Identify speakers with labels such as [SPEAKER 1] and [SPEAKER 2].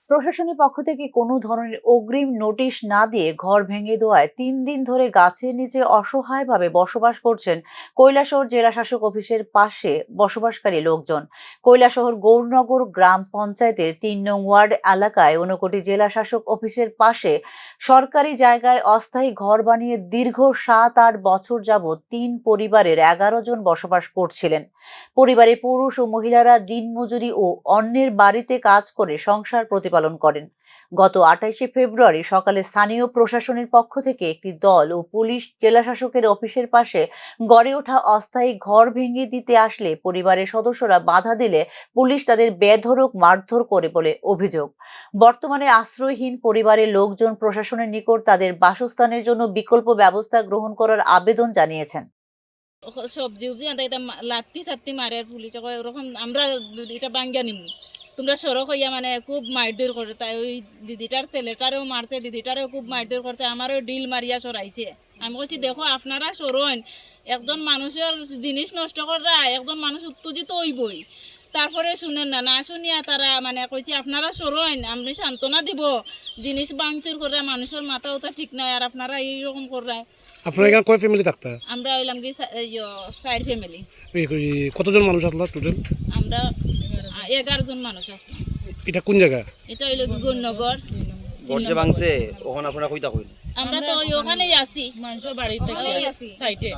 [SPEAKER 1] প্রশাসনের পক্ষ থেকে কোনো ধরনের অগ্রিম নোটিশ না দিয়ে ঘর ভেঙে দেওয়ায় 3 দিন ধরে গাছের নিচে অসহায়ভাবে বসবাস করছেন কৈলাসহর জেলা শাসক অফিসের পাশে বসবাসকারী লোকজন। কৈলাসহর গৌরনগর গ্রাম পঞ্চায়েতের 3 নং ওয়ার্ড এলাকায় 59 জেলা শাসক অফিসের পাশে সরকারি জায়গায় অস্থায়ী ঘর বানিয়ে দীর্ঘ 7-8 বছর যাবৎ 3 পরিবারের 11 জন বসবাস করছিলেন। পরিবারের পুরুষ ও মহিলারা দিনমজুরি ও অন্যের বাড়িতে কাজ করে সংসার প্রতিপালন করেন। গত 28শে ফেব্রুয়ারি সকালে স্থানীয় প্রশাসনের পক্ষ থেকে একটি দল ও পুলিশ জেলাশাসকের অফিসের পাশে গড়ে ওঠা অস্থায়ী ঘর ভেঙে দিতে আসলে পরিবারের সদস্যরা বাধা দিলে পুলিশ তাদের বেধড়ক মারধর করে বলে অভিযোগ। বর্তমানে আশ্রয়হীন পরিবারের লোকজন প্রশাসনের নিকট তাদের বাসস্থানের জন্য বিকল্প ব্যবস্থা গ্রহণ করার আবেদন জানিয়েছেন।
[SPEAKER 2] সবজি উবজি আনতে এটা লাত্তি সাত্তি মারে পুলিশ ওরকম আমরা এটা বাঙ্গা নিমু তোমরা সড়ক হইয়া মানে খুব মারধর করে তাই ওই দিদিটার ছেলেটারেও মারছে দিদিটারেও খুব মারধর করছে আমারও ডিল মারিয়া সরাইছে। আমি বলছি দেখো আপনারা সরইন একজন মানুষের জিনিস নষ্ট করা একজন মানুষ উত্তেজিত হইবই তারপরে শুনেন না না শুনিয়া তারা মানে কইছি আপনারা সরইন আমি সান্ত্বনা দিব জিনিস ভাঙচুর করে মানুষের মাথা ওটা ঠিক নাই আর আপনারা এইরকম করায়।
[SPEAKER 3] আপনারা এখানে কয় ফ্যামিলি থাকতা?
[SPEAKER 2] আমরা হইলাম কি 4 ফ্যামিলি।
[SPEAKER 3] কতজন মানুষ আসলো টোটাল?
[SPEAKER 2] আমরা 11 জন মানুষ আছি।
[SPEAKER 3] এটা কোন জায়গা?
[SPEAKER 2] এটা হইলো গৌরনগর।
[SPEAKER 4] গর্জে ভাঙছে ওখানে আপনারা কইতা কইন?
[SPEAKER 2] আমরা তো ওখানেই আছি মানুষের বাড়িতে সাইডে।